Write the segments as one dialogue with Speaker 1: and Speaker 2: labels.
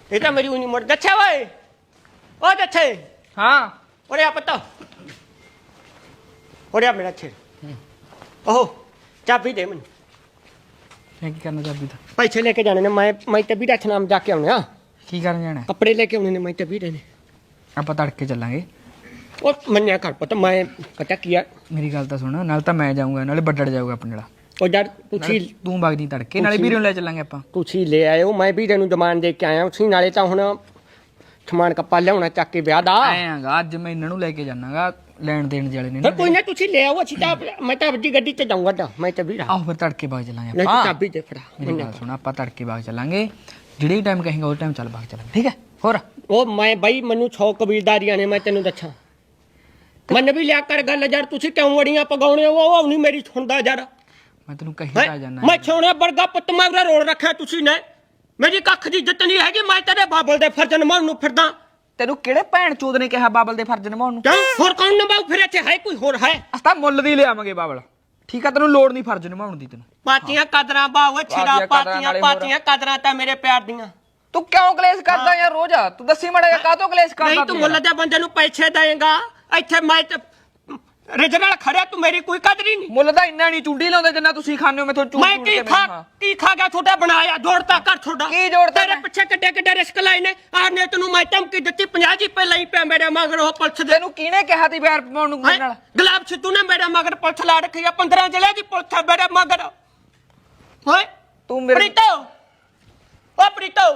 Speaker 1: ਇਹ ਤਾਂ ਮੇਰੀ ਉਨੀ ਮੁੜ ਦੱਛਾ ਓਏ ਓ ਦੱਛੇ
Speaker 2: ਹਾਂ
Speaker 1: ਓਰੇ ਆ ਪਤਾ ਓਰੇ ਆ ਮੇਰਾ ਛੇ ਓਹ ਚਾਬੀ ਦੇ ਮੈਨੂੰ
Speaker 2: ਮੈਂ ਕੀ ਕਰਨਾ ਚਾਬੀ ਦਾ
Speaker 1: ਪੈਸੇ ਲੈ ਕੇ ਜਾਣੇ ਨੇ ਮੈਂ ਤੇ ਵੀਰਾ ਨਾਮ ਜਾ ਕੇ ਆਉਣੇ ਆ
Speaker 2: ਕੀ ਕਰਨ ਜਾਣਾ
Speaker 1: ਕੱਪੜੇ ਲੈ ਕੇ ਆਉਣੇ ਨੇ ਮੈਂ ਤੇ ਵੀਰੇ ਨੇ
Speaker 2: ਆਪਾਂ ਤੜਕੇ ਚੱਲਾਂਗੇ
Speaker 1: ਉਹ ਮੰਨਿਆ ਕਰ ਪਤਾ ਮੈਂ ਪਤਾ ਕੀ ਆ
Speaker 2: ਮੇਰੀ ਗੱਲ ਤਾਂ ਸੁਣ ਨਾਲ ਤਾਂ ਮੈਂ ਜਾਊਂਗਾ ਨਾਲੇ ਵੱਡੜ ਜਾਊਗਾ ਆਪਣੇ ਨਾਲ
Speaker 1: ਉਹ ਯਾਰ ਤੁਸੀਂ
Speaker 2: ਤੂੰ ਵਗਦੀ ਤੜਕੇ ਨਾਲੇ ਵੀਰੇ ਨੂੰ ਲੈ ਚੱਲਾਂਗੇ ਆਪਾਂ
Speaker 1: ਤੁਸੀਂ ਲੈ ਆਇਓ ਮੈਂ ਵੀਰੇ ਨੂੰ ਜ਼ਮਾਨ ਦੇ ਕੇ ਆਇਆ ਉਸੇ ਨਾਲੇ ਤਾਂ ਹੁਣ ਸਮਾਨ ਕੱਪਾ ਲਿਆਉਣਾ ਚੱਕ ਕੇ ਵਿਆਹ ਦਾ
Speaker 2: ਆਏਗਾ ਅੱਜ ਮੈਂ ਇਹਨਾਂ ਨੂੰ ਲੈ ਕੇ ਜਾਣਾਗਾ ਲੈਣ ਦੇਣ ਵਾਲੇ ਨੇ
Speaker 1: ਫਿਰ ਕੋਈ ਨਾ ਤੁਸੀਂ ਲੈ ਆਓ ਅਸੀਂ ਤਾਂ ਮੈਂ ਤਾਂ ਵੱਡੀ ਗੱਡੀ ਤੇ ਜਾਊਂਗਾ ਤਾਂ ਮੈਂ ਤਾਂ ਵੀਰਾ
Speaker 2: ਆਹੋ ਫਿਰ ਤੜਕੇ ਬਾਗ ਚੱਲਾਂਗੇ
Speaker 1: ਨਹੀਂ
Speaker 2: ਆਪਾਂ
Speaker 1: ਚਾਬੀ ਦੇ ਫੜਾ
Speaker 2: ਮੇਰੀ ਗੱਲ ਸੁਣ ਆਪਾਂ ਤੜਕੇ ਬਾਗ ਚੱਲਾਂਗੇ ਜਿਹੜੇ ਟਾਈਮ ਕਹੇਗਾ ਉਸ ਟਾਈਮ ਚੱਲ ਬਾਗ ਚੱਲਾਂਗੇ ਠੀਕ ਹੈ ਹੋਰ
Speaker 1: ਉਹ ਮੈਂ ਬਾਈ ਮੈਨੂੰ 100 ਕਬੀਲਦਾਰੀਆਂ ਨੇ ਮੈਂ ਤੈਨੂੰ ਦੱਸਾਂ ਮਨ ਵੀ ਲਿਆ ਕਰ ਗੱਲ ਯਾਰ ਤੁਸੀਂ ਕਿਉਂ ਅੜੀਆਂ ਪਗਾਉਣੇ ਉਹ ਨਹੀਂ ਮੇਰੀ ਸੁਣਦਾ ਯਾਰ
Speaker 2: ਮੈਂ ਤੈਨੂੰ ਕਹੀ ਤਾਂ ਜਾਣਾ
Speaker 1: ਮੈਂ ਛੋਣੇ ਵਰਗਾ ਪੁੱਤ ਮਾਗਰਾ ਰੋਲ ਰੱਖਿਆ ਤੁਸੀਂ ਨੇ ਮੇਰੀ ਕੱਖ ਦੀ ਇੱਜ਼ਤ ਨਹੀਂ ਹੈਗੀ ਮੈਂ ਤੇਰੇ ਬਾਬਲ ਦੇ ਫਰਜ਼ ਨਿਭਾਉਣ ਨੂੰ ਫਿਰਦਾ
Speaker 2: ਤੈਨੂੰ ਕਿਹੜੇ ਭੈਣ ਚੋਦ ਨੇ ਕਿਹਾ ਬਾਬਲ ਦੇ ਫਰਜ਼ ਨਿਭਾਉਣ ਨੂੰ
Speaker 1: ਕਿਉਂ ਹੋਰ ਕੌਣ ਨਿਭਾਉ ਫਿਰ ਇੱਥੇ ਹੈ ਕੋਈ ਹੋਰ ਹੈ
Speaker 2: ਅਸਤਾ ਮੁੱਲ ਦੀ ਲਿਆਵਾਂਗੇ ਬਾਬਲ ਠੀਕ ਆ ਤੈਨੂੰ ਲੋੜ ਨਹੀਂ ਫਰਜ਼ ਨਿਭਾਉਣ ਦੀ ਤੈਨੂੰ
Speaker 1: ਪਾਤੀਆਂ ਕਦਰਾਂ ਬਾਵੇ ਛਿੜਾ ਪਾਤੀਆਂ ਕਦਰਾਂ ਤਾਂ ਮੇਰੇ ਪਿਆਰ ਦੀਆਂ
Speaker 2: ਤੂੰ ਕਿਉਂ ਕਲੇਸ਼ ਕਰਦਾ ਯਾਰ ਰੋਜ਼ ਤੂੰ ਦੱਸੀ ਮੜਾ ਕਾਹਤੋਂ ਕਲੇਸ਼ ਕਰਦਾ
Speaker 1: ਨਹੀਂ ਤੂੰ ਮੁੱਲ ਦੇ ਬੰਦੇ ਨੂੰ ਪੈਸੇ ਦੇਏਗਾ ਇੱਥੇ ਮੈਂ ਰਿਜਨਲ ਖੜਿਆ ਤੂੰ ਮੇਰੀ ਕੋਈ ਕਦਰ ਹੀ ਨਹੀਂ
Speaker 2: ਮੁੱਲ ਤਾਂ ਇੰਨਾ ਨਹੀਂ ਚੁੰਡੀ ਲਾਉਂਦੇ ਜਿੰਨਾ ਤੁਸੀਂ ਖਾਣੇ ਹੋ ਮੈਥੋਂ ਚੁੰਡੀ
Speaker 1: ਮੈਂ ਕੀ ਖਾ ਗਿਆ ਤੁਹਾਡਾ ਬਣਾਇਆ ਜੋੜਤਾ ਕਰ ਤੁਹਾਡਾ
Speaker 2: ਕੀ ਜੋੜਤਾ
Speaker 1: ਤੇਰੇ ਪਿੱਛੇ ਕਿੱਡੇ ਰਿਸਕ ਲਾਏ ਨੇ ਆਨੇ ਤੈਨੂੰ ਮੈਂ ਧਮਕੀ ਦਿੱਤੀ 50 ਜੀ ਪਹਿਲਾਂ ਹੀ ਪਿਆ ਮੇਰੇ ਮਗਰ ਉਹ ਪੁਲਿਸ ਦੇ
Speaker 2: ਤੈਨੂੰ ਕਿਹਨੇ ਕਿਹਾ ਤੀ ਬੈਰ ਪਾਉਣ ਨੂੰ ਨਾਲ
Speaker 1: ਗੁਲਾਬ ਸਿੱਧੂ ਨੇ ਮੇਰੇ ਮਗਰ ਪੁਲਿਸ ਲਾ ਰੱਖੀ ਆ 15 ਜ਼ਿਲ੍ਹੇ ਦੀ ਪੁਲਿਸ ਮੇਰੇ ਮਗਰ ਓਏ
Speaker 2: ਤੂੰ ਮੇਰੇ
Speaker 1: ਪ੍ਰੀਤੋ ਓ ਪ੍ਰੀਤੋ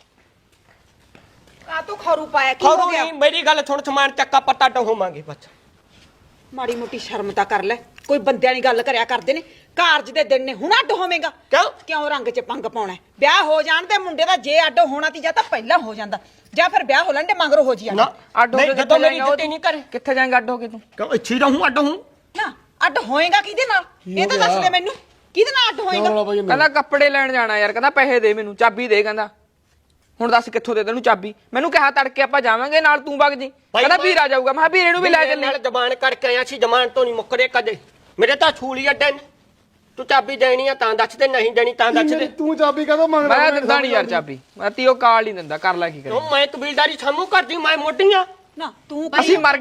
Speaker 3: ਆ ਤੂੰ ਖਰੂ ਪਾਇਆ ਕੀ ਹੋ ਗਿਆ
Speaker 1: ਮੇਰੀ ਗੱਲ ਸੁਣ ਸਮਾਨ ਚੱਕਾ ਪੱਤਾ ਢੋਵਾਂਗੇ ਬਸ
Speaker 3: ਮਾੜੀ ਮੋਟੀ ਸ਼ਰਮ ਤਾਂ ਕਰ ਲੈ ਕੋਈ ਬੰਦਿਆਂ ਦੀ ਗੱਲ ਕਰਿਆ ਕਰਦੇ ਨੇ ਕਾਰਜ ਦੇ ਦਿਨ ਨੇ ਹੁਣ ਅੱਡ ਹੋਵੇਂਗਾ ਕਿਉਂ ਰੰਗ 'ਚ ਪੰਗ ਪਾਉਣਾ ਵਿਆਹ ਹੋ ਜਾਣ ਤੇ ਮੁੰਡੇ ਦਾ ਜੇ ਅੱਡ ਹੋਣਾ ਤੀ ਜਾਂ ਤਾਂ ਪਹਿਲਾਂ ਹੋ ਜਾਂਦਾ ਜਾਂ ਫਿਰ ਵਿਆਹ ਹੋ ਲੈਣ ਤੇ ਮਗਰੋਂ ਹੋ ਜੀ
Speaker 1: ਨਾ
Speaker 2: ਅੱਡ ਹੋ ਕੇ
Speaker 1: ਜਦੋਂ ਮੇਰੀ ਇੱਜ਼ਤ ਨਹੀਂ ਕਰੇ
Speaker 2: ਕਿੱਥੇ ਜਾਏਂਗਾ ਅੱਡ ਹੋ ਕੇ ਤੂੰ
Speaker 1: ਕਿਉਂ ਇੱਥੇ ਰਹੂੰ ਅੱਡ ਹੂੰ
Speaker 3: ਨਾ ਅੱਡ ਹੋਏਗਾ ਕਿਹਦੇ ਨਾਲ ਇਹ ਤਾਂ ਦੱਸ ਦੇ ਮੈਨੂੰ ਕਿਹਦੇ ਨਾਲ ਅੱਡ ਹੋਏਗਾ
Speaker 2: ਕਹਿੰਦਾ ਕੱਪੜੇ ਲੈਣ ਜਾਣਾ ਯਾਰ ਕਹਿੰਦਾ ਪੈਸੇ ਦੇ ਮੈਨੂੰ ਚਾਬੀ ਦੇ ਕਹਿੰਦਾ ਹੁਣ ਦੱਸ ਕਿੱਥੋਂ ਦੇ ਤੈਨੂੰ ਚਾਬੀ ਮੈਨੂੰ ਕਿਹਾ ਤੜਕੇ ਆਪਾਂ ਜਾਵਾਂਗੇ ਨਾਲ ਤੂੰ ਵਗ ਜੀ ਕਹਿੰਦਾ ਵੀਰਾ ਜਾਊਗਾ ਮੈਂ ਵੀਰੇ ਨੂੰ ਵੀ ਲੈ ਚੱਲੇ
Speaker 1: ਨਾਲ ਜ਼ਬਾਨ ਕਰਕੇ ਆਇਆ ਸੀ ਜ਼ਮਾਨ ਤੋਂ ਨਹੀਂ ਮੁੱਕਰੇ ਕਦੇ ਮੇਰੇ ਤਾਂ ਛੂਲੀ ਅੱਡੇ ਨੇ ਤੂੰ ਚਾਬੀ ਦੇਣੀ ਆ ਤਾਂ ਦੱਸ ਦੇ ਨਹੀਂ ਦੇਣੀ ਤਾਂ ਦੱਸ ਦੇ
Speaker 4: ਤੂੰ ਚਾਬੀ ਕਦੋਂ ਮੰਗਦਾ
Speaker 2: ਮੈਂ ਦਿੰਦਾ ਨਹੀਂ ਯਾਰ ਚਾਬੀ ਮੈਂ ਤੀਓ ਕਾਲ ਨਹੀਂ ਦਿੰਦਾ ਕਰ ਲੈ ਕੀ ਕਰੇ
Speaker 1: ਮੈਂ ਕਬੀਲਦਾਰੀ ਸਾਮੂ ਕਰਦੀ ਮੈਂ ਮੋਢੀਆਂ
Speaker 3: ਨਾ ਤੂੰ
Speaker 2: ਅਸੀਂ ਮਰ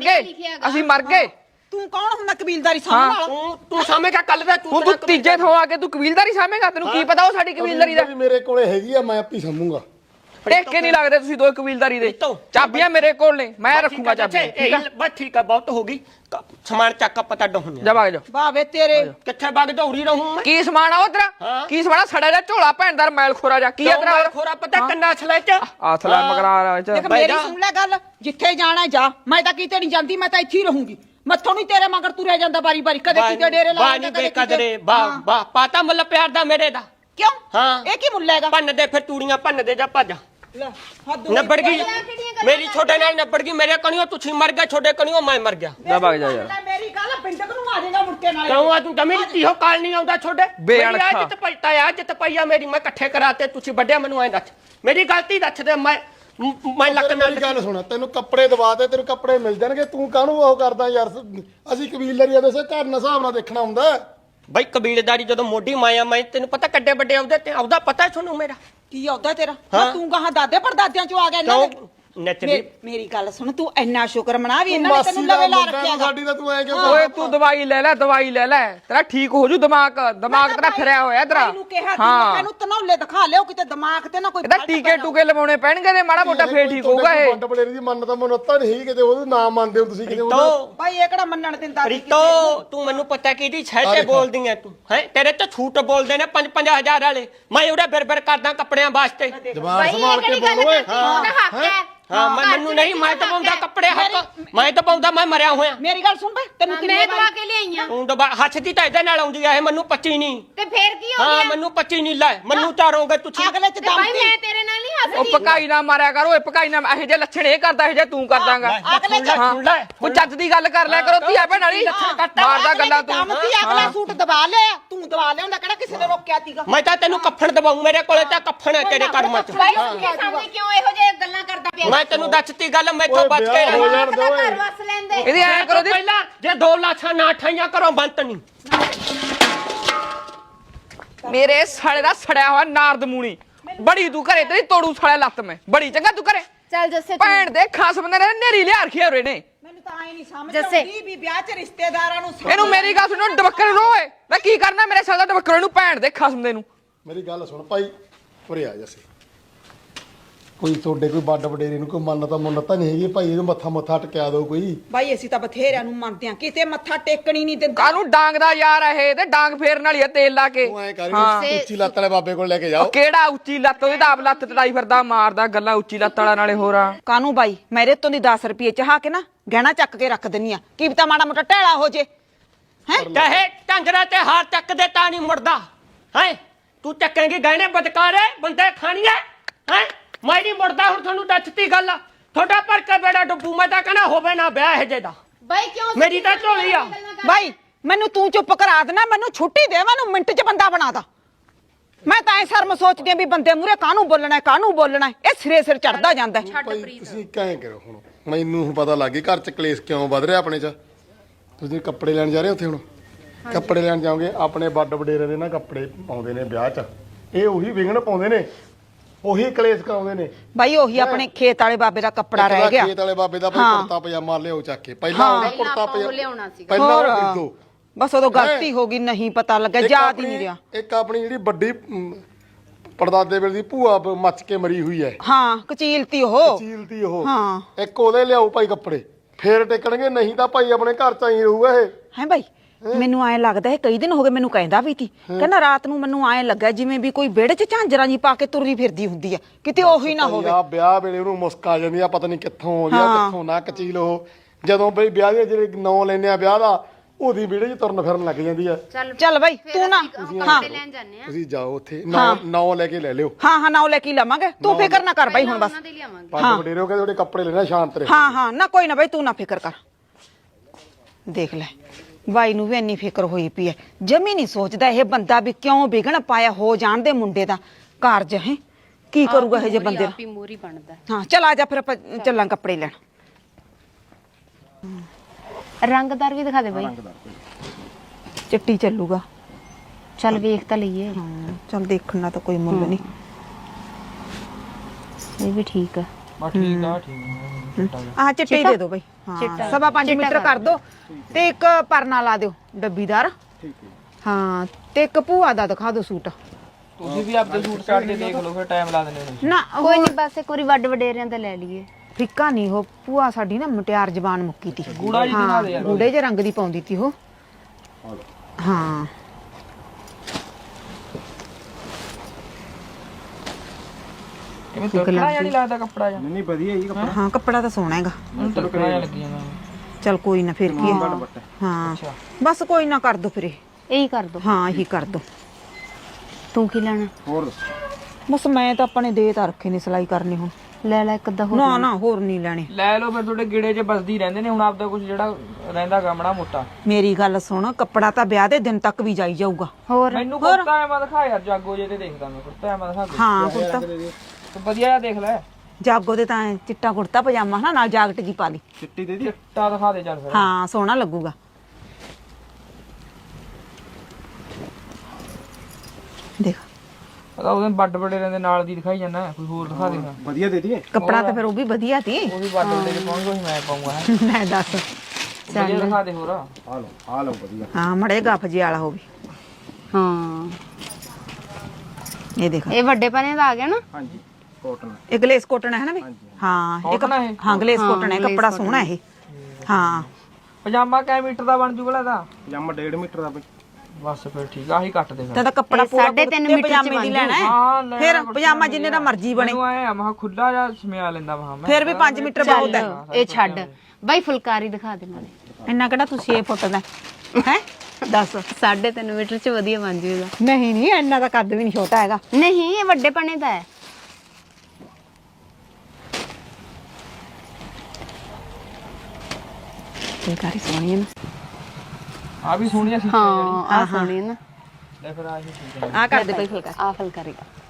Speaker 2: ਗਏ
Speaker 3: ਤੂੰ ਕੌਣ ਹੁੰਦਾ ਕਬੀਲਦਾਰੀ ਸਾਹਮਣੇ ਵਾਲਾ
Speaker 1: ਤੂੰ ਸਾਹਮੇਗਾ ਕੱਲ ਦਾ
Speaker 2: ਤੂੰ ਤੀਜੇ ਥੋਂ ਆ ਕੇ ਤੂੰ ਕਬੀਲਦਾਰੀ ਸਾਹਮੇਗਾ ਤੈਨੂੰ ਕੀ ਪਤਾ ਉਹ ਸਾਡੀ ਕਬੀਲਦਾਰੀ ਦਾ
Speaker 4: ਮੇਰੇ ਕੋਲੇ ਹੈਗੀ ਆ ਮੈਂ ਆਪੀ ਸਾਂਭੂਗਾ
Speaker 2: ਟੇਕ ਕੇ ਨਹੀਂ ਲੱਗਦੇ ਤੁਸੀਂ ਦੋ ਕਬੀਲਦਾਰੀ ਦੇ ਚਾਬੀਆਂ ਮੇਰੇ ਕੋਲ ਨੇ ਮੈਂ ਰੱਖੂਗਾ ਚਾਬੀ ਠੀਕ ਆ
Speaker 1: ਬਸ ਠੀਕ ਆ ਬਹੁਤ ਹੋ ਗਈ ਸਮਾਨ ਚੱਕ ਪਤਾ ਡਹੁੰਨੇ
Speaker 2: ਜਾ ਵਗ ਜਾ
Speaker 3: ਵਾਵੇ ਤੇਰੇ
Speaker 1: ਕਿੱਥੇ ਵਗ ਦੌੜੀ ਰਹੂੰ ਮੈਂ
Speaker 2: ਕੀ ਸਮਾਨ ਆ ਉਹ ਤੇਰਾ ਕੀ ਸਮਾਨ ਸੜਾ ਜਾ ਝੋਲਾ ਭੈਣਦਾਰ ਮੈਲ ਖੋਰਾ ਜਾ ਕੀ ਆ ਤੇਰਾ
Speaker 1: ਖੋਰਾ ਪਤਾ ਕੰਨਾ ਛਲੇ ਚ
Speaker 2: ਆਥਲਾ ਮਗਰਾ ਚ
Speaker 3: ਦੇਖ ਮੇਰੀ ਸੁਣ ਲੈ ਗੱਲ ਜਿੱਥੇ ਜਾਣਾ ਜਾ ਮੈਂ ਤਾਂ ਕਿਤੇ ਨਹੀਂ ਜਾਂਦੀ ਮੈਂ ਤਾਂ ਇੱਥੇ ਹੀ ਰਹੂੰਗੀ ਮੱਥੋਂ ਨਹੀਂ ਤੇਰੇ ਮਗਰ ਤੁਰਿਆ ਜਾਂਦਾ ਬਾਰੀ ਬਾਰੀ ਕਦੇ ਕਿਤੇ ਡੇਰੇ ਲਾ
Speaker 1: ਜਾਂਦਾ ਕਦੇ ਕਦਰੇ ਵਾਹ ਪਾਤਾ ਮੁੱਲ ਪਿਆਰ ਦਾ ਮੇਰੇ ਦਾ
Speaker 3: ਕਿਉਂ
Speaker 1: ਹਾਂ
Speaker 3: ਇਹ ਕੀ ਮੁੱਲ ਹੈਗਾ
Speaker 1: ਭੰਨ ਦੇ ਫਿਰ ਤੂੜੀਆਂ ਭੰਨ ਦੇ ਜਾ ਭੱਜ ਨੱਬੜ ਗਈ ਮੇਰੀ ਛੋਟੇ ਨਾਲ ਨੱਬੜ ਗਈ ਮੇਰੇ ਕਣੀਓ ਤੁਸੀਂ ਮਰ ਗਏ ਛੋਟੇ ਕਣੀਓ ਮੈਂ ਮਰ ਗਿਆ
Speaker 2: ਜਾ ਵਗ ਜਾ ਯਾਰ
Speaker 3: ਮੇਰੀ ਗੱਲ ਬਿੰਦਕ ਨੂੰ ਆ ਜਾਏਗਾ ਮੁੜਕੇ ਨਾਲ
Speaker 1: ਕਿਉਂ ਆ ਤੂੰ ਦਮੀ ਤੀਹੋ ਕਾਲ ਨਹੀਂ ਆਉਂਦਾ ਛੋਟੇ
Speaker 2: ਬੇਅਣਖਾ।
Speaker 1: ਅੱਜ ਤੇ ਪਲਟਾ ਆ ਜਿੱਤ ਪਈਆ ਮੇਰੀ ਮੈਂ ਇਕੱਠੇ ਕਰਾਤੇ ਤੁਸੀਂ ਵੱਡਿਆ ਮੈਨੂੰ ਐਂ ਦੱਸ ਮੇਰੀ ਗਲਤੀ ਦੱਸ ਦੇ ਮੈਂ ਲੱਕ ਨਾਲ
Speaker 4: ਮੇਰੀ ਗੱਲ ਸੁਣ ਤੈਨੂੰ ਕੱਪੜੇ ਦਵਾ ਦੇ ਤੈਨੂੰ ਕੱਪੜੇ ਮਿਲ ਜਾਣਗੇ ਤੂੰ ਕਾਹਨੂੰ ਉਹ ਕਰਦਾ ਯਾਰ ਅਸੀਂ ਕਬੀਲਦਾਰੀ ਦੇ ਘਰ ਨਾਲ ਹਿਸਾਬ ਨਾਲ ਦੇਖਣਾ ਹੁੰਦਾ
Speaker 1: ਬਈ ਕਬੀਲਦਾਰੀ ਜਦੋਂ ਮੋਢੀ ਮਾਇਆ ਮੈਂ ਤੈਨੂੰ ਪਤਾ ਕੱਡੇ ਵੱਡੇ ਆਉਦੇ ਤੇ ਆਉਦਾ ਪਤਾ ਤੁਹਾਨੂੰ ਮੇਰਾ
Speaker 3: ਕੀ ਆਉਦਾ ਤੇਰਾ ਤੂੰ ਕਹਾਂ ਦਾਦੇ ਪੜਦਾਦਿਆਂ ਚੋਂ ਆ ਗਿਆ ਇਹਨਾਂ ਦੇ
Speaker 1: ਨੱਚਦੀ
Speaker 3: ਮੇਰੀ ਗੱਲ ਸੁਣ ਤੂੰ ਇੰਨਾ ਸ਼ੁਕਰ ਮਨਾ ਵੀ ਇਹਨਾਂ ਨੇ ਤੈਨੂੰ ਲਵੇ ਲਾ ਰੱਖਿਆ
Speaker 4: ਸਾਡੀ ਤਾਂ ਤੂੰ ਐ ਕਿਉਂ
Speaker 2: ਓਏ ਤੂੰ ਦਵਾਈ ਲੈ ਤੇਰਾ ਠੀਕ ਹੋ ਜੂ ਦਿਮਾਗ ਤੇਰਾ ਫਿਰਿਆ ਹੋਇਆ ਤੇਰਾ
Speaker 3: ਤੈਨੂੰ ਕਿਹਾ ਤੂੰ ਇਹਨੂੰ ਤਨੌਲੇ ਦਿਖਾ ਲਿਓ ਕਿਤੇ ਦਿਮਾਗ ਤੇ ਨਾ ਕੋਈ
Speaker 2: ਇਹਦਾ ਟੀਕੇ ਟੂਕੇ ਲਵਾਉਣੇ ਪੈਣਗੇ ਤੇ ਮਾੜਾ ਮੋਟਾ ਫੇਰ ਠੀਕ ਹੋਊਗਾ ਇਹ
Speaker 4: ਬੰਡ ਬਲੇਰੀ ਦੀ ਮੰਨ ਤਾਂ ਮਨੋਤਾ ਨਹੀਂ ਕਿਤੇ ਉਹਦਾ ਨਾਮ ਮੰਨਦੇ ਹੋ ਤੁਸੀਂ ਕਿਤੇ
Speaker 1: ਰੀਤੋ
Speaker 3: ਭਾਈ ਇਹ ਕਿਹੜਾ ਮੰਨਣ ਦਿੰਦਾ
Speaker 1: ਰੀਤੋ ਤੂੰ ਮੈਨੂੰ ਪਤਾ ਕਿਹਦੀ ਛੱਡ ਤੇ ਬੋਲਦੀ ਐ ਤੂੰ ਹੈ ਤੇਰੇ ਤੇ ਛੂਟ ਬੋਲਦੇ ਨੇ 5-5000 ਵਾਲੇ ਮੈਂ ਉਹਦਾ ਬਿਰ ਕਰਦਾ ਕੱਪੜਿਆਂ ਵਾਸਤੇ
Speaker 4: ਜਵਾਨ ਸੰਭਾਲ ਕੇ ਬੋਲ ਓਏ
Speaker 1: ਹਾਂ ਮੈਨੂੰ ਨਹੀਂ ਮੈਂ ਤਾਂ ਪਾਉਂਦਾ ਕੱਪੜੇ ਹੱਥ ਮੈਂ ਤਾਂ ਪਾਉਂਦਾ ਮੈਂ ਮਰਿਆ ਹੋਇਆ
Speaker 3: ਮੇਰੀ ਗੱਲ ਸੁਣ ਬੇ ਤੈਨੂੰ ਕਿੰਨੇ
Speaker 5: ਮੈਂ ਦਵਾ ਕੇ ਲਿਆਈ ਆ
Speaker 1: ਤੂੰ ਦਬਾ ਹੱਥਦੀ ਤਾਂ ਇਹਦੇ ਨਾਲ ਆਉਂਦੀ ਆ ਇਹ ਮੈਨੂੰ 25 ਨਹੀਂ
Speaker 5: ਤੇ ਫੇਰ ਕੀ ਹੋ
Speaker 1: ਹਾਂ
Speaker 5: ਗਿਆ
Speaker 1: ਮੈਨੂੰ 25 ਨਹੀਂ ਲੈ ਮੈਨੂੰ ਤਾਰੋਗੇ ਤੁਸੀਂ
Speaker 3: ਅਗਲੇ ਚ
Speaker 5: ਤੇ ਭਾਈ
Speaker 3: ਦਮਤੀ
Speaker 5: ਮੈਂ ਤੇਰੇ ਨਾਲ ਨਹੀਂ
Speaker 2: ਉਹ
Speaker 5: ਹੱਸਦੀ
Speaker 2: ਪਕਾਈ ਨਾ ਮਾਰਿਆ ਕਰ ਓਏ ਪਕਾਈ ਨਾ ਇਹੋ ਜਿਹੇ ਲੱਛਣ ਇਹ ਕਰਦਾ ਇਹੋ ਜਿਹੇ ਤੂੰ ਕਰਦਾਗਾ
Speaker 3: ਅਗਲੇ ਚ
Speaker 1: ਸੁਣ ਲੈ
Speaker 2: ਕੋਈ ਚੱਜ ਦੀ ਗੱਲ ਕਰ ਲਿਆ ਕਰੋ ਧੀਆ ਭੈਣ ਵਾਲੀ ਮਾਰਦਾ ਗੱਲਾਂ ਤੂੰ
Speaker 3: ਦਮਤੀ ਅਗਲਾ ਸੂਟ ਦਬਾ ਲਿਆ ਤੂੰ ਦਬਾ ਲਿਆਉਂਦਾ ਕਿਹੜਾ ਕਿਸੇ ਨੇ ਰੋਕਿਆ ਤੀਗਾ
Speaker 1: ਮੈਂ ਤਾਂ ਤੈਨੂੰ ਕੱਫਣ ਦਬਾਉ ਮੇਰੇ ਕੋਲੇ ਤਾਂ ਕੱਫਣ ਹੈ ਤੇਰੇ ਕਰਮਾਂ ਚ
Speaker 5: ਭਾਈ ਉਸਕੇ ਸਾਹਮਣੇ ਕਿਉਂ ਇਹੋ ਜਿਹੇ ਗੱਲਾਂ ਕਰਦਾ ਪਿਆ
Speaker 1: ਮੈਂ ਤੈਨੂੰ ਦੱਸਤੀ ਗੱਲ ਮੈਥੋਂ ਬਚ ਕੇ
Speaker 4: ਹੋ
Speaker 1: ਰਹਿ
Speaker 4: ਜਾਣ ਦੇ ਓਏ
Speaker 5: ਘਰ ਵਸ ਲੈਂਦੇ
Speaker 2: ਇਹਦੀ ਐ ਕਰੋ ਦੀ
Speaker 1: ਪਹਿਲਾਂ ਜੇ 2 ਲਾਛਾਂ ਨਾ ਠਾਈਆਂ ਕਰੋ ਬੰਤ ਨਹੀਂ
Speaker 2: ਮੇਰੇ ਸਾਲੇ ਦਾ ਸੜਿਆ ਹੋਇਆ ਨਾਰਦ ਮੂਣੀ ਬੜੀ ਤੂੰ ਘਰੇ ਤੇਰੀ ਤੋੜੂ ਸਾਲਿਆ ਲੱਤ ਮੈਂ ਬੜੀ ਚੰਗਾ ਤੂੰ ਘਰੇ
Speaker 5: ਚੱਲ ਜੱਸੇ
Speaker 2: ਭੈਣ ਦੇ ਖਾਸ ਬੰਦੇ ਨੇ ਨੇਰੀ ਲਿਆ ਰੱਖੀ ਹੋਰੇ ਨੇ
Speaker 3: ਮੈਨੂੰ ਤਾਂ ਆਈ ਨਹੀਂ ਸਮਝ
Speaker 5: ਜੱਸੇ।
Speaker 3: ਆਉਂਦੀ ਵੀ ਵਿਆਹ 'ਚ ਰਿਸ਼ਤੇਦਾਰਾਂ ਨੂੰ
Speaker 2: ਇਹਨੂੰ ਮੇਰੀ ਗੱਲ ਸੁਣੋ ਡਬੱਕਰ ਨੂੰ ਓਏ ਮੈਂ ਕੀ ਕਰਨਾ ਮੇਰੇ ਸਾਲ ਦਾ ਡਬੱਕਰ ਨੂੰ ਭੈਣ ਦੇ ਖਸਮ ਦੇ ਨੂੰ
Speaker 4: ਮੇਰੀ ਗੱਲ ਸੁਣ ਭਾਈ ਉਰੇ ਆ ਜੱਸੇ ਕੋਈ ਤੁਹਾਡੇ ਕੋਈ ਵੱਡ ਵਡੇਰੇ ਨੂੰ ਕੋਈ ਮੰਨਤਾ ਨਹੀਂ ਹੈਗੀ ਭਾਈ ਇਹਨੂੰ ਮੱਥਾ ਟਕਿਆ ਦਿਓ ਕੋਈ
Speaker 3: ਬਾਈ ਅਸੀਂ ਤਾਂ ਬਥੇਰਿਆਂ ਨੂੰ ਮੰਨਦੇ ਆ ਕਿਤੇ ਮੱਥਾ ਟੇਕਣੀ ਨਹੀਂ ਦਿੰਦਾ
Speaker 2: ਕਾਹਨੂੰ ਡਾਂਗ ਦਾ ਯਾਰ ਆ ਇਹ ਤੇ ਡਾਂਗ ਫੇਰਨ ਵਾਲੀ ਆ ਤੇਲ ਲਾ ਕੇ
Speaker 4: ਤੂੰ ਐ ਕਰ ਇਹਨੂੰ ਉੱਚੀ ਲੱਤ ਵਾਲੇ ਬਾਬੇ ਕੋਲ ਲੈ ਕੇ ਜਾਓ
Speaker 2: ਉਹ ਕਿਹੜਾ ਉੱਚੀ ਲੱਤ ਉਹਦੀ ਤਾਂ ਆਪ ਲੱਤ ਤੜਾਈ ਫਿਰਦਾ ਮਾਰਦਾ ਗੱਲਾਂ ਉੱਚੀ ਲੱਤ ਵਾਲਾ ਨਾਲੇ ਹੋਰ ਆ
Speaker 3: ਕਾਨੂੰ ਬਾਈ ਮੇਰੇ ਤੋਂ ਦੀ 10 ਰੁਪਏ ਚਾਹ ਕੇ ਨਾ ਗਹਿਣਾ ਚੱਕ ਕੇ ਰੱਖ ਦਿੰਨੀ ਆ ਕੀ ਪਤਾ ਮਾੜਾ ਮੋਟਾ ਢੇਲਾ ਹੋ ਜੇ ਹੈ
Speaker 1: ਕਹੇ ਟੰਗਰਾ ਤੇ ਹਾਰ ਚੱਕ ਦੇ ਤਾਂ ਨਹੀਂ ਮੁੜਦਾ ਹੈ ਤੂੰ ਚੱਕੇਂਗੀ ਗਹਿਣੇ ਬਦਕਾਰੇ ਬੰਦੇ ਖਾਣੀਏ ਹੈ ਮੈਂ ਨਹੀਂ ਮੁੜਦਾ ਹੁਣ ਤੁਹਾਨੂੰ ਦੱਸਤੀ ਗੱਲ ਤੁਹਾਡਾ ਪਰ ਕੇ ਬੇੜਾ ਡੁੱਬੂ ਮੈਂ ਤਾਂ ਕਹਿੰਦਾ ਹੋਵੇ ਨਾ ਵਿਆਹ ਇਹ ਜੇ ਦਾ
Speaker 5: ਬਾਈ ਕਿਉਂ
Speaker 1: ਮੇਰੀ ਤਾਂ ਝੋਲੀ ਆ
Speaker 3: ਬਾਈ ਮੈਨੂੰ ਤੂੰ ਚੁੱਪ ਕਰਾ ਦੇਣਾ ਮੈਨੂੰ ਛੁੱਟੀ ਦੇ ਮੈਨੂੰ ਮਿੰਟ 'ਚ ਬੰਦਾ ਬਣਾ ਦਾ ਮੈਂ ਤਾਂ ਐ ਸ਼ਰਮ ਸੋਚਦੀ ਆ ਵੀ ਬੰਦੇ ਮੂਰੇ ਕਾਹਨੂੰ ਬੋਲਣਾ ਇਹ ਸਿਰੇ ਸਿਰ ਚੜਦਾ ਜਾਂਦਾ ਹੈ।
Speaker 4: ਭਾਈ ਤੁਸੀਂ ਕਹਿ ਕਰੋ ਹੁਣ ਮੈਨੂੰ ਹੁਣ ਪਤਾ ਲੱਗ ਗਿਆ ਘਰ 'ਚ ਕਲੇਸ਼ ਕਿਉਂ ਵੱਧ ਰਿਹਾ ਆਪਣੇ 'ਚ ਤੁਸੀਂ ਕੱਪੜੇ ਲੈਣ ਜਾ ਰਹੇ ਉੱਥੇ ਹੁਣ ਕੱਪੜੇ ਲੈਣ ਜਾਓਗੇ ਆਪਣੇ ਵੱਡ ਵਡੇਰੇ ਦੇ ਨਾ ਕੱਪੜੇ ਪਾਉਂਦੇ ਨੇ ਵਿਆਹ 'ਚ ਇਹ ਉਹੀ ਵਿਗਣ ਪਾਉਂਦੇ ਨੇ ਉਹੀ ਕਲੇਸ਼ ਕਰਾਉਂਦੇ ਨੇ
Speaker 3: ਬਾਈ ਉਹੀ ਆਪਣੇ ਖੇਤ ਵਾਲੇ ਬਾਬੇ ਦਾ ਕੱਪੜਾ ਰਹਿ ਗਿਆ
Speaker 4: ਖੇਤ ਵਾਲੇ ਬਾਬੇ ਦਾ ਭਾਈ ਕੁੜਤਾ ਪਜਾਮਾ ਲਿਆਓ ਚੱਕ ਕੇ ਪਹਿਲਾਂ ਉਹਦਾ ਕੁੜਤਾ ਪਜਾਮਾ
Speaker 5: ਲਿਆਉਣਾ ਸੀ
Speaker 4: ਪਹਿਲਾਂ ਉਹ ਦੇਖੋ
Speaker 3: ਬਸ ਉਦੋਂ ਗਲਤੀ ਹੋ ਗਈ ਨਹੀਂ ਪਤਾ ਲੱਗਿਆ ਯਾਦ ਹੀ ਨਹੀਂ ਰਿਹਾ
Speaker 4: ਇੱਕ ਆਪਣੀ ਜਿਹੜੀ ਵੱਡੀ ਪੜਦਾਦੇ ਵੇਲੇ ਦੀ ਭੂਆ ਮੱਚ ਕੇ ਮਰੀ ਹੋਈ ਹੈ
Speaker 3: ਹਾਂ ਕਚੀਲਤੀ ਉਹ
Speaker 4: ਚੀਲਤੀ ਉਹ
Speaker 3: ਹਾਂ
Speaker 4: ਇੱਕ ਉਹਦੇ ਲਿਆਓ ਭਾਈ ਕੱਪੜੇ ਫੇਰ ਟਿਕਣਗੇ ਨਹੀਂ ਤਾਂ ਭਾਈ ਆਪਣੇ ਘਰ ਚ ਹੀ ਰਹੂਗਾ ਇਹ
Speaker 3: ਹੈ ਬਾਈ ਮੈਨੂੰ ਐਂ ਲੱਗਦਾ ਹੈ ਕਈ ਦਿਨ ਹੋ ਗਏ ਮੈਨੂੰ ਕਹਿੰਦਾ ਵੀ ਸੀ ਕਹਿੰਦਾ ਰਾਤ ਨੂੰ ਮੈਨੂੰ ਐਂ ਲੱਗਾ ਜਿਵੇਂ ਵੀ ਕੋਈ ਵਿਹੜੇ 'ਚ ਝਾਂਜਰਾਂ ਜੀ ਪਾ ਕੇ ਤੁਰਦੀ ਫਿਰਦੀ ਹੁੰਦੀ ਆ ਕਿਤੇ ਉਹੀ ਨਾ ਹੋਵੇ
Speaker 4: ਆ ਵਿਆਹ ਵੇਲੇ ਉਹਨੂੰ ਮੁਸਕ ਆ ਜਾਂਦੀ ਆ ਪਤਾ ਨਹੀਂ ਕਿੱਥੋਂ ਆਉਂਦੀ ਆ ਕਿੱਥੋਂ ਨਾ ਕਚੀਲ ਉਹ ਜਦੋਂ ਬਈ ਵਿਆਹ ਦੇ ਜਿਹੜੇ ਨਾਂ ਲੈਨੇ ਆ ਵਿਆਹ ਦਾ ਉਹਦੀ ਵਿਹੜੇ 'ਚ ਤੁਰਨ ਫਿਰਨ ਲੱਗ ਜਾਂਦੀ ਆ
Speaker 3: ਚੱਲ ਬਾਈ ਤੂੰ ਨਾ ਹਾਂ
Speaker 5: ਲੈਣ ਜਾਂਦੇ ਆ
Speaker 4: ਤੁਸੀਂ ਜਾਓ ਉੱਥੇ ਨਾਂ ਲੈ ਕੇ ਲੈ ਲਿਓ
Speaker 3: ਹਾਂ ਨਾ ਉਹ ਲੈ ਕੇ ਲਵਾਂਗੇ ਤੂੰ ਫਿਕਰ ਨਾ ਕਰ ਬਾਈ ਹੁਣ ਬਸ
Speaker 5: ਉਹਨਾਂ ਦੇ ਲਿਆਵਾਂਗੇ
Speaker 4: ਪੱਗ ਵਡੇਰੇ ਹੋ ਕੇ ਤੁਹਾਡੇ ਕੱਪੜੇ ਲੈਣਾ ਸ਼ਾਂਤ ਰਹੇ
Speaker 3: ਹਾਂ ਨਾ ਕੋਈ ਨਾ ਬਾਈ ਤੂੰ ਨਾ ਫਿਕਰ ਕਰ ਦੇਖ ਲੈ ਬਾਈ ਨੂੰ ਵੀ ਇੰਨੀ ਫਿਕਰ ਹੋਈ ਪਈ ਐ ਜਮੀ ਨਹੀਂ ਸੋਚਦਾ ਇਹ ਬੰਦਾ ਵੀ ਕਿਉਂ ਵਿਗਣ ਪਾਇਆ ਹੋ ਜਾਣ ਦੇ ਮੁੰਡੇ ਦਾ ਕਾਰਜ ਹੈ ਕੀ ਕਰੂਗਾ ਇਹ ਜੇ ਬੰਦੇ
Speaker 5: ਆਪੀ ਮੋਰੀ ਬਣਦਾ
Speaker 3: ਹਾਂ ਚਲ ਆ ਜਾ ਫਿਰ ਆਪਾਂ ਚੱਲਾਂ ਕੱਪੜੇ ਲੈਣ
Speaker 5: ਰੰਗਦਾਰ ਵੀ ਦਿਖਾ ਦੇ ਬਾਈ
Speaker 3: ਚਿੱਟੀ ਚੱਲੂਗਾ
Speaker 5: ਚੱਲ ਵੇਖ ਤਾਂ ਲਈਏ
Speaker 3: ਹਾਂ ਚੱਲ ਦੇਖਣਾ ਤਾਂ ਕੋਈ ਮੁੱਲ ਨਹੀਂ
Speaker 5: ਇਹ ਵੀ ਠੀਕ ਆ
Speaker 2: ਬਸ ਠੀਕ ਆ ਠੀਕ
Speaker 3: ਆਹ ਚਿੱਟੇ ਹੀ ਦੇ ਦਿਓ ਬਈ ਹਾਂ ਸਵਾ 5 ਮੀਟਰ ਕਰ ਦਿਓ ਤੇ ਇੱਕ ਪਰਨਾ ਲਾ ਦਿਓ ਡੱਬੀਦਾਰ ਠੀਕ ਹੈ ਹਾਂ ਤੇ ਇੱਕ ਭੂਆ ਦਾ ਦਿਖਾ ਦਿਓ ਸੂਟ
Speaker 2: ਤੁਸੀਂ ਵੀ ਆਪਦੇ ਸੂਟ ਸਾੜ ਕੇ ਦੇਖ ਲਓ ਫਿਰ ਟਾਈਮ ਲਾ ਦਿੰਦੇ ਹੋ
Speaker 3: ਨਾ
Speaker 5: ਕੋਈ ਨਹੀਂ ਬਸ ਇੱਕ ਵਾਰੀ ਵੱਡ ਵਡੇਰਿਆਂ ਦਾ ਲੈ ਲਈਏ
Speaker 3: ਫਿੱਕਾ ਨਹੀਂ ਉਹ ਭੂਆ ਸਾਡੀ ਨਾ ਮਟਿਆਰ ਜ਼ਬਾਨ ਮੁੱਕੀ ਤੀ
Speaker 2: ਗੂੜਾ ਜੀ ਦਿਖਾ ਦੇ ਯਾਰ
Speaker 3: ਗੂੜੇ ਜਿਹੇ ਰੰਗ ਦੀ ਪਾਉਂਦੀ ਤੀ ਉਹ ਹਾਂ
Speaker 2: ਕਿਵੇਂ ਤੁਰਕਣਾ ਜਾਂ ਨਹੀਂ ਲੱਗਦਾ ਕੱਪੜਾ ਜਾਂ
Speaker 6: ਨਹੀਂ ਵਧੀਆ ਹੀ ਕੱਪੜਾ
Speaker 3: ਹਾਂ ਕੱਪੜਾ ਤਾਂ ਸੋਹਣਾ ਹੈਗਾ
Speaker 2: ਤੁਰਕਣਾ ਜਾਂ ਲੱਗੀ ਜਾਂਦਾ
Speaker 3: ਚਲ ਕੋਈ ਨਾ ਫਿਰ ਕੀ ਹੈ ਹਾਂ ਬਸ ਕੋਈ ਨਾ ਕਰ ਦੋ ਫਿਰ ਇਹ।
Speaker 5: ਇਹੀ ਕਰ ਦੋ
Speaker 3: ਹਾਂ ਇਹੀ ਕਰ ਦੋ
Speaker 5: ਤੂੰ ਕੀ ਲੈਣਾ
Speaker 6: ਹੋਰ ਦੱਸੋ
Speaker 3: ਬਸ ਮੈਂ ਤਾਂ ਆਪਣੇ ਦੇ ਤਾਂ ਰੱਖੇ ਨੇ ਸਿਲਾਈ ਕਰਨੀ ਹੁਣ
Speaker 5: ਲੈ ਲੈ ਇੱਕ ਅੱਧਾ ਹੋਰ
Speaker 3: ਨਾ ਹੋਰ ਨਹੀਂ ਲੈਣੇ
Speaker 2: ਲੈ ਲਓ ਫਿਰ ਤੁਹਾਡੇ ਗਿੜੇ 'ਚ ਬਸਦੀ ਰਹਿੰਦੇ ਨੇ ਹੁਣ ਆਪਦਾ ਕੁਝ ਜਿਹੜਾ ਰਹਿੰਦਾ ਗਮੜਾ ਮੋਟਾ
Speaker 3: ਮੇਰੀ ਗੱਲ ਸੁਣ ਕੱਪੜਾ ਤਾਂ ਵਿਆਹ ਦੇ ਦਿਨ ਤੱਕ ਵੀ ਜਾਈ ਜਾਊਗਾ
Speaker 5: ਹੋਰ
Speaker 2: ਮੈਨੂੰ ਕੁੜਤਾ ਐ ਮੈਂ ਦਿਖਾ ਯਾਰ ਜਾਗੋ ਜੇ ਤੇ ਦੇਖਦਾ ਮੈਂ ਕੁੜਤਾ ਐ ਮੈਂ ਦਿਖਾ ਦੇ
Speaker 3: ਹਾਂ ਕੁੜਤਾ
Speaker 2: ਤੂੰ ਵਧੀਆ ਜਿਹਾ ਦੇਖ ਲੈ
Speaker 3: ਜਾਗੋ ਦੇ ਤਾਂ ਐਂ ਚਿੱਟਾ ਕੁੜਤਾ ਪਜਾਮਾ ਨਾ ਨਾਲ ਜਾਕਟ ਜੀ ਪਾ ਲਈ
Speaker 6: ਚਿੱਟੀ ਦੇ ਦੀ
Speaker 2: ਚਿੱਟਾ ਦਿਖਾ ਦੇ ਚੱਲ ਫਿਰ
Speaker 3: ਹਾਂ ਸੋਹਣਾ ਲੱਗੂਗਾ ਦੇਖ
Speaker 2: ਪਤਾ ਉਹਦੇ ਵੱਡ ਵਡੇਰਿਆਂ ਦੇ ਨਾਲ ਦੀ ਦਿਖਾਈ ਜਾਂਦਾ ਕੋਈ ਹੋਰ ਦਿਖਾ ਦੇ
Speaker 6: ਵਧੀਆ ਦੇ ਦੀਏ
Speaker 3: ਕੱਪੜਾ ਤਾਂ ਫਿਰ ਉਹ ਵੀ ਵਧੀਆ ਤੀ
Speaker 2: ਉਹ ਵੀ ਵੱਡ ਵਡੇਰੇ ਪਾਉਂਗਾ ਹੀ ਮੈਂ ਪਾਉਂਗਾ
Speaker 3: ਲੈ ਦੱਸ
Speaker 2: ਵਧੀਆ ਦਿਖਾ ਦੇ ਹੋਰ
Speaker 6: ਆ ਲਓ ਵਧੀਆ
Speaker 3: ਹਾਂ ਮੜੇ ਗੱਫ ਜੀ ਵਾਲਾ ਹੋਵੇ
Speaker 5: ਹਾਂ
Speaker 3: ਇਹ ਦੇਖ
Speaker 5: ਇਹ ਵੱਡੇ ਪਾਣੇ ਦਾ ਆ ਗਿਆ ਨਾ
Speaker 6: ਹਾਂਜੀ ਕਾਟਨ
Speaker 3: ਇਹ ਗਲੇਸ ਕੋਟਨ ਹੈ ਨਾ ਵੀ ਹਾਂ ਇਹ
Speaker 2: Cotton ਆ ਇਹ?
Speaker 3: ਹਾਂ ਗਲੇਸ ਕੋਟਨ ਹੈ ਕੱਪੜਾ ਸੋਹਣਾ ਇਹ ਹਾਂ
Speaker 2: ਪਜਾਮਾ ਕੈ ਮੀਟਰ ਦਾ ਬਣ ਜੂਗਾ ਇਹਦਾ
Speaker 6: ਪਜਾਮਾ 1.5 ਮੀਟਰ ਦਾ ਬਈ
Speaker 2: ਬਸ ਫਿਰ ਠੀਕ ਆਹੀ ਕੱਟ ਦੇ ਫਿਰ
Speaker 3: ਤਾਂ ਕੱਪੜਾ
Speaker 5: ਇਹ
Speaker 3: ਪੂਰਾ
Speaker 5: 3.5 ਮੀਟਰ ਚ
Speaker 3: ਪਜਾਮੇ ਦੀ ਲੈਣਾ
Speaker 2: ਹਾਂ,
Speaker 3: ਹੈ
Speaker 2: ਲੈਣਾ
Speaker 3: ਫਿਰ
Speaker 2: ਕੁਛ
Speaker 3: ਪਜਾਮਾ ਜਿੰਨੇ ਦਾ ਮਰਜ਼ੀ ਬਣੇ
Speaker 2: ਮੈਨੂੰ ਆਏ ਆ ਮਹਾ ਖੁੱਲਾ ਜਾਂ ਸਮਿਆ ਲੈਂਦਾ ਮਹਾ ਮੈਂ
Speaker 3: ਫਿਰ ਵੀ 5 ਮੀਟਰ ਬਹੁਤ ਹੈ
Speaker 5: ਇਹ ਛੱਡ ਬਾਈ ਫੁਲਕਾਰੀ ਦਿਖਾ ਦੇ ਨਾਲੇ
Speaker 3: ਇੰਨਾ ਕਿਹੜਾ ਤੂੰ 6 ਫੁੱਟ ਦਾ ਹੈ ਦੱਸ
Speaker 5: 3.5 ਮੀਟਰ ਚ ਵਧੀਆ ਬਣ ਜੂਗਾ
Speaker 3: ਨਹੀਂ ਨਹੀਂ ਇੰਨਾ ਦਾ ਕੱਦ ਵੀ ਨਹੀਂ ਛੋਟਾ ਹੈਗਾ
Speaker 5: ਨਹੀਂ ਇਹ ਵੱਡੇ ਪਾਣੇ ਦਾ ਹੈ
Speaker 3: ਫੁਲਕਾਰੀ ਸੋਹਣੀ ਹੈ ਨਾ
Speaker 2: ਆ ਵੀ ਸੋਹਣੀਆਂ ਸੀ
Speaker 5: ਹਾਂ ਆ ਸੋਹਣੀ ਨਾ
Speaker 2: ਲੈ ਫਿਰ ਆ ਜੀ ਠੀਕ ਹੈ
Speaker 3: ਆ ਕਰ ਦੇ ਕੋਈ ਫੁਲਕਾਰੀ
Speaker 5: ਆ ਫੁਲਕਾਰੀ